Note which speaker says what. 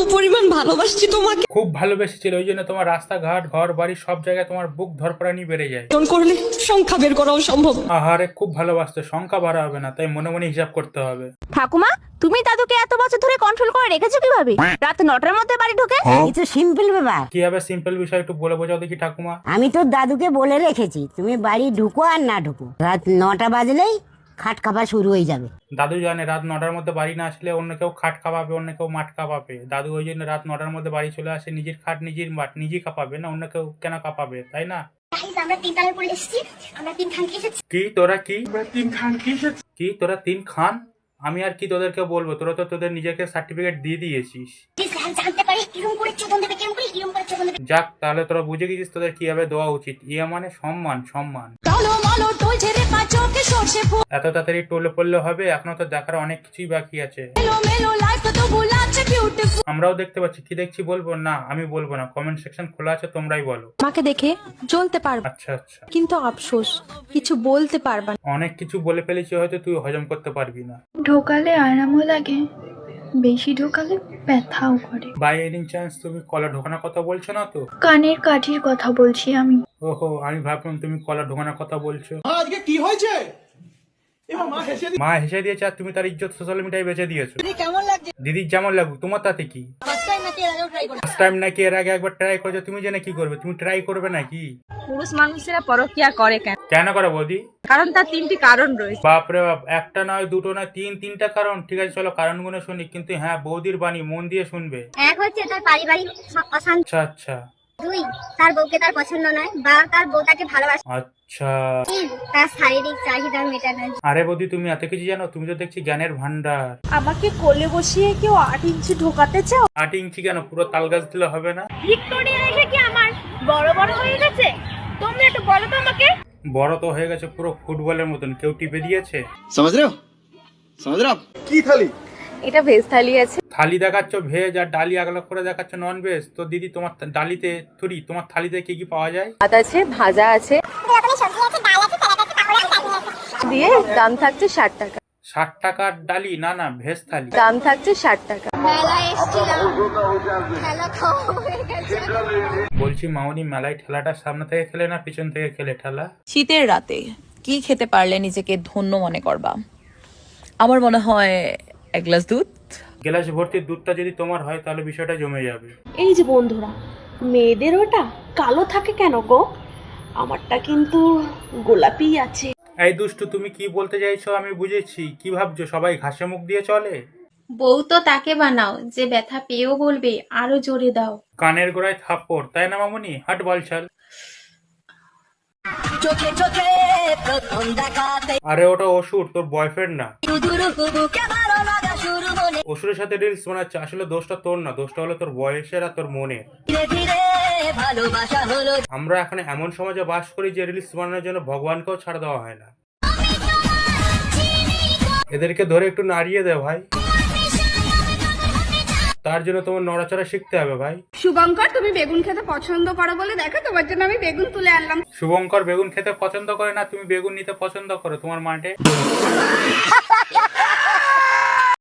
Speaker 1: পরিমাণ ভালোবাসছি তোমাকে,
Speaker 2: খুব ভালোবেসেছিল, ওই জন্য তোমার রাস্তাঘাট ঘর বাড়ি সব জায়গায় তোমার বুক ধরপড়ানি বেড়ে যায়।
Speaker 1: করলে সংখ্যা বের করাও সম্ভব।
Speaker 2: আহারে খুব ভালোবাসতো, সংখ্যা বাড়া হবে না, তাই মনে মনে হিসাব করতে হবে।
Speaker 3: ঠাকুমা, তুমি দাদুকে এত বছর ধরে কন্ট্রোল করে রেখেছো কিভাবে? রাত 9টার মধ্যে বাড়ি ঢোকে।
Speaker 4: এই তো সিম্পল ব্যাপার।
Speaker 2: কি হবে সিম্পল বিষয়, একটু বলে বোঝাও দেখি ঠাকুমা।
Speaker 4: আমি তোর দাদুকে বলে রেখেছি, তুমি বাড়ি ঢুকো আর না ঢুকো, রাত 9টা বাজলেই খাট খাপা শুরু হয়ে যাবে।
Speaker 2: দাদু জানে রাত 9টার মধ্যে বাড়ি না আসলে অন্য কেউ খাট কাঁপাবে, অন্য কেউ মাঠ কাঁপাবে। দাদু ওই জন্য রাত 9টার মধ্যে বাড়ি চলে আসে, নিজের খাট নিজের মাঠ নিজেই কাঁপাবে, না অন্য কেউ কেন কাঁপাবে, তাই না?
Speaker 5: আমরা 3 তালের পরে এসেছি, আমরা 3 খান এসেছি।
Speaker 2: কি তোরা কি 3 খান কি কি তোরা 3 খান? আমি আর কি তোদেরকে বলবো, তোরা তো তোদের নিজেকে সার্টিফিকেট দিয়ে দিয়েছিস।
Speaker 5: যে স্যার জানতে পারে কিরম করে চোদন দেবে, কিরম করে চোদন দেবে।
Speaker 2: যাক, তাহলে তোরা বুঝে গেছিস তোদের কিভাবে দেওয়া উচিত। ইয়া মানে সম্মান, সম্মান। এত তাড়াতাড়ি টোলে পড়লে হবে? এখনো তো দেখার অনেক কিছুই বাকি আছে। আমরাও দেখতে পাচ্ছি। কি দেখছি বলবো? না আমি বলবো না, কমেন্ট সেকশন খোলা আছে, তোমরাই বলো।
Speaker 6: আমাকে দেখে জ্বলতে পারবে,
Speaker 2: আচ্ছা আচ্ছা,
Speaker 6: কিন্তু আফসোস কিছু বলতে পারবা না।
Speaker 2: অনেক কিছু বলে ফেলেছি, হয়তো তুই হজম করতে পারবি না।
Speaker 7: ঢোকালে আরামও লাগে, বেশি ঢোকালে ব্যথাও করে।
Speaker 2: বাই এনি চান্স তুমি কলা ঢোকানোর কথা বলছো না তো?
Speaker 7: কানের কাঠির কথা বলছি আমি।
Speaker 2: ওহো, আমি ভাবলাম তুমি কলা ঢোকানোর কথা বলছো।
Speaker 8: আজকে কি হয়েছে?
Speaker 2: মা হেসে দিয়েছে আর তুমি তার ইজ্জত সোশ্যাল মিডিয়ায় বেচে দিয়েছো। দিদির যেমন লাগুক, তোমার তাতে কি? ফার্স্ট টাইম নাকি এর আগে একবার ট্রাই করেছো, তুমি জেনে কি করবে? তুমি ট্রাই করবে নাকি?
Speaker 3: পুরুষ মানুষেরা পরকিয়া করে কেন?
Speaker 2: কেন করে বৌদি?
Speaker 3: কারণ তার 3টি কারণ রয়েছে।
Speaker 2: বাপরে বাপ, একটা নয় দুটো নয় তিনটা কারণ। ঠিক আছে চলো কারণগুলো শুনি, কিন্তু হ্যাঁ বৌদির বাণী মন দিয়ে শুনবে।
Speaker 5: এক হচ্ছে তার পারিবারিক অশান্তি,
Speaker 2: আচ্ছা আচ্ছা
Speaker 5: 2 তার বউকে তার পছন্দ নয় বা তার বউ তাকে ভালোবাসে,
Speaker 2: আচ্ছা।
Speaker 5: 3 তার শারীরিক চাহিদা মেটানো।
Speaker 2: আরে বৌদি তুমি এত কিছু জানো, তুমি তো দেখছি জ্ঞানের ভান্ডার।
Speaker 6: আমাকে কোলে বসিয়ে কেউ 8 ইঞ্চি ঢোকাতে চাও?
Speaker 2: 8 ইঞ্চি কেন, পুরো তাল গাছ দিলে হবে না?
Speaker 3: ভিক্টোরিয়া এসে কি আমার বড় বড় হয়ে গেছে? তোমরা একটু বলো তো আমাকে।
Speaker 2: বড় তো হয়ে গেছে পুরো ফুটবলের মতন, কেউ টিপে দিয়েছে।
Speaker 8: समझ रहे हो? समझ रहे हो आप? কি থালি?
Speaker 3: এটা ভেজ থালি আছে।
Speaker 2: থালি দেখাচ্ছ ভেজ আর ডালি আগলা করে দেখাচ্ছ নন ভেজ। তো দিদি তোমার ডালিতে তোমার থালিতে কি কি পাওয়া যায়?
Speaker 3: ভাত আছে, ভাজা আছে, দিয়ে দাম থাকছে 60 টাকা।
Speaker 2: 60 টাকার ডালি? না না, ভেজ থালি।
Speaker 3: দাম থাকছে 60 টাকা।
Speaker 5: মেলায় এসেছিলাম, খেলা খাওয়া হয়ে গেছে।
Speaker 2: বলছি মামনি, মেলায় ঠেলাটা সামনে থেকে খেলে না পিছন থেকে খেলে ঠেলা?
Speaker 9: শীতের রাতে কি খেতে পারলে নিজেকে ধন্য মনে করবা? আমার মনে হয় 1 গ্লাস দুধ।
Speaker 2: গ্লাস ভর্তি দুধটা যদি তোমার হয় তাহলে বিষয়টা জমে যাবে।
Speaker 6: এই যে বন্ধুরা, মেয়েদের ওটা কালো থাকে কেন গো? আমারটা কিন্তু গোলাপি আছে।
Speaker 2: এই দুষ্টু, তুমি কি বলতে চাইছো আমি বুঝেছি। কি ভাবছো সবাই ঘাসে মুখ দিয়ে চলে?
Speaker 10: বউ তো তাকে বানাও যে ব্যথা পেয়েও বলবে আরো জোরে দাও।
Speaker 2: কানের গোড়ায় থাপ্পড়, তাই না মামনি? হাট বলছাল। আরে ওটা অসুর, তোর বয়ফ্রেন্ড না। অসুরের সাথে রিলস বানাচ্ছে, আসলে দোষটা তোর না, দোষটা হলো তোর বয়সের আর তোর মনের। আমরা এখন এমন সমাজে বাস করি যে রিলস বানানোর জন্য ভগবানকেও ছাড় দেওয়া হয় না। এদেরকে ধরে একটু নাড়িয়ে দে ভাই, তার জন্য তোমার নড়াচড়া শিখতে হবে ভাই।
Speaker 3: শুভঙ্কর, তুমি বেগুন খেতে পছন্দ করো বলে দেখো তোমার জন্য আমি বেগুন তুলে আনলাম।
Speaker 2: শুভঙ্কর বেগুন খেতে পছন্দ করে না, তুমি বেগুন নিতে পছন্দ করো তোমার মাঠে।